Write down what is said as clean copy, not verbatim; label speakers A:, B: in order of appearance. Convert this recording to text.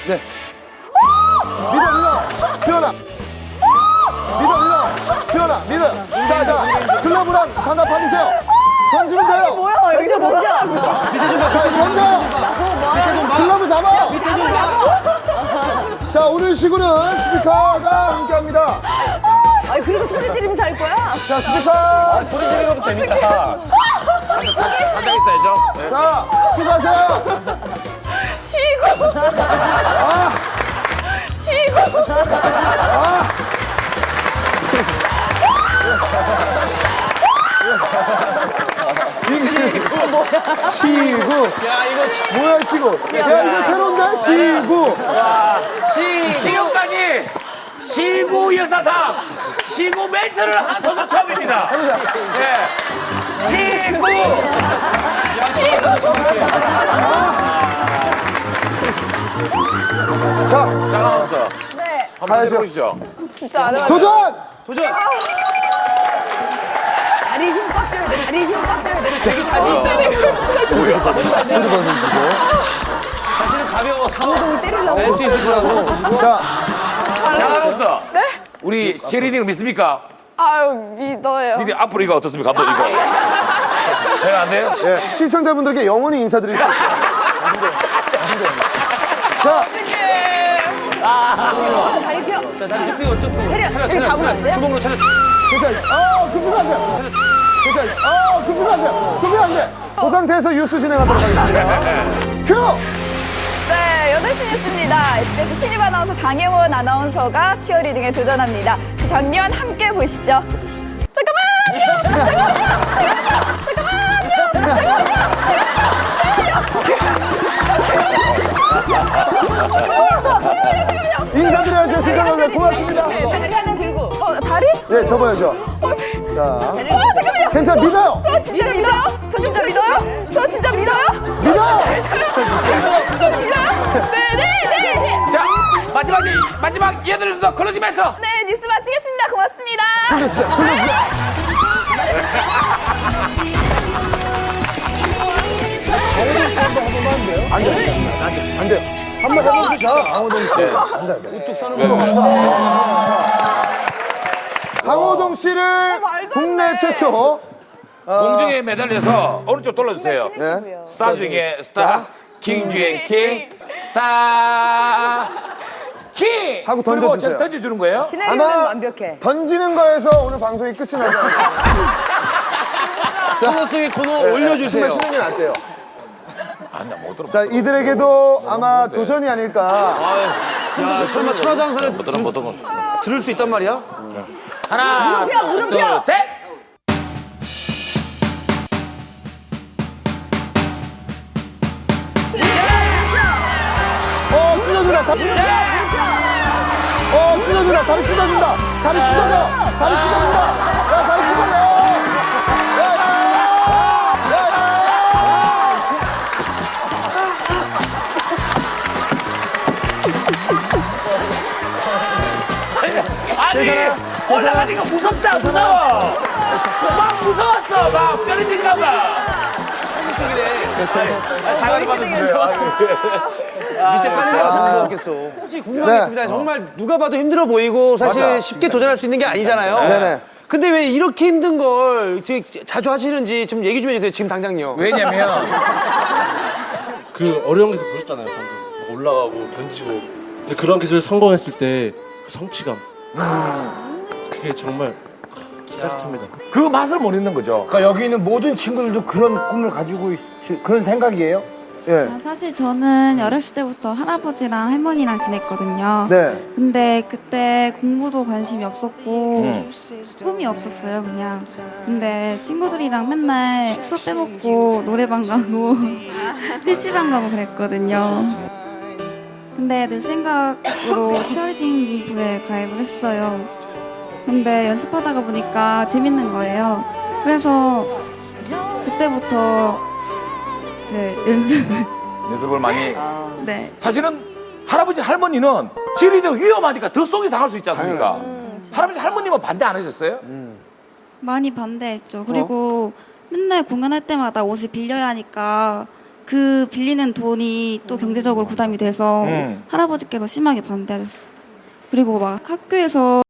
A: 네. 믿어. 주연아. 믿어. 주연아, 믿어. 자. 글러브랑 장갑 받으세요. 던지면 돼요.
B: 뭐야, 이거 뭐야?
A: 자, 던져. 글러브 잡아. 자, 오늘 시구는 스피커가 함께합니다.
B: 아니, 그리고 소리 지르면서 할 거야?
A: 자, 스피커.
C: 소리 지르는 것도 재밌다. 가장 있어야죠.
A: 자, 수고하세요.
B: 쉬고.
A: 아,
B: 쉬고.
A: 아. 시구.
C: 야, 이거
A: 뭐야, 시구. 야, 이거 새로운데? 시구.
D: 지금까지 시구 여사상 시구 멘트를 한 선수 처음입니다. 예. 시구.
A: 자,
D: 잠깐만요.
B: 네.
D: 한번
A: 가야죠.
D: 해보시죠.
B: 진짜 안 해봤어.
A: 도전!
B: 다리 힘 꽉 줘야 돼. 다리 힘 꽉 줘야 돼.
C: 되게 자신 있다.
A: 모두 받으시고.
C: 자신은 가벼워.
B: 강호동을 때리려고.
C: 낼수 있을 거라고.
A: 자,
D: 장아나운서.
B: 네?
D: 우리 체리딩을 믿습니까?
B: 아유, 믿어요.
D: 니들 앞으로 이거 어떻습니까? 감독 이거. 제가 안 돼요?
A: 예, 시청자분들께 영원히 인사드리겠습니다. 자,
B: 다리 펴.
C: 자, 다리 뚝 펴고.
B: 차려. 여기 잡으면 안 돼요?
C: 주먹으로 차려.
A: 괜찮아요. 급히면 안 돼요. 괜찮아요. 급히면 안 돼요. 급히면 안 돼. 그 상태에서 뉴스 진행하도록 하겠습니다. 큐!
B: 네, 8시 뉴스입니다. SBS 신입 아나운서 장혜원 아나운서가 치어리딩에 도전합니다. 그 장면 함께 보시죠.
A: 인사드려야죠, 시청자분들. 고맙습니다.
B: 다리 하나 들고. 다리?
A: 예, 접어야죠. 자,
B: 잠깐만요.
A: 괜찮아, 믿어요.
B: 저 진짜 믿어요? 저 진짜 믿어요? 저 진짜 믿어요?
A: 믿어!
B: 진짜 믿어요? 네.
D: 자, 마지막 얘들 순서 클로징 멘트.
B: 네, 뉴스 마치겠습니다. 고맙습니다.
A: 돌려주세요. 안 돼요. 한번 해보시죠. 강호동 씨. 안 돼. 우뚝 서는 거. 강호동 씨를
B: 말도 안
A: 국내
B: 돼.
A: 최초
D: 공중에 매달려서 오른쪽 돌려주세요.
A: 네.
D: 스타 중에 스타, 킹 중에 킹, 스타 킹.
A: 하고
D: 그리고
A: 던져주세요.
D: 던져주는 거예요?
B: 시나리오는
A: 아마
B: 완벽해.
A: 던지는 거에서 오늘 방송이 끝이 나지 않을까.
C: 코너 속의 코너
A: 정말
C: 올려주세요.
A: 쉬는 게 낫대요.
D: 나못 들어.
A: 자, 이들에게도 아마 도전이 아닐까.
C: 야, 설마 천하장사를
D: 못 들어.
C: 들을 수 있단 말이야?
D: 하나,
B: 무릎 펴.
D: 둘, 셋.
A: 찢어준다. 찢어준다. 다리 찢어준다. 다리 찢어져. 다리 찢어준다. 야, 다리 찢어져.
D: 아니, 올라가니까 무섭다, 무서워. 막 무서웠어, 막 떨어질까봐. 사과를 받으세요.
C: 밑에 깔리는 게 더 무서웠겠어. 솔직히 궁금하겠습니다. 정말 누가 봐도 힘들어 보이고 사실
D: 맞아.
C: 쉽게 도전할 수 있는 게 아니잖아요.
A: 네네.
C: 근데 왜 이렇게 힘든 걸 되게 자주 하시는지 좀 얘기 좀 해주세요. 지금 당장요.
D: 왜냐면
E: 그 어려운 기술 보셨잖아요. 방금 올라가고 던지고. 근데 그런 기술 성공했을 때 그 성취감. 그게 정말 짜릿합니다.
D: 그 맛을 못 잊는 거죠.
F: 그러니까 여기 있는 모든 친구들도 그런 꿈을 가지고 그런 생각이에요?
A: 예.
G: 사실 저는 어렸을 때부터 할아버지랑 할머니랑 지냈거든요.
A: 네.
G: 근데 그때 공부도 관심이 없었고 꿈이 없었어요, 그냥. 근데 친구들이랑 맨날 수업 빼먹고 노래방 가고 PC방 가고 그랬거든요. 근데 늘 생각으로 치어리딩 부에 가입을 했어요. 근데 연습하다가 보니까 재밌는 거예요. 그래서 그때부터
D: 연습을 많이.
G: 네.
D: 사실은 할아버지 할머니는 지리대로 위험하니까 더 속이 상할 수 있지 않습니까? 할아버지 할머님은 반대 안 하셨어요?
G: 많이 반대했죠. 그리고 맨날 공연할 때마다 옷을 빌려야 하니까 그 빌리는 돈이 또 경제적으로 부담이 돼서 할아버지께서 심하게 반대하셨어요. 그리고 막 학교에서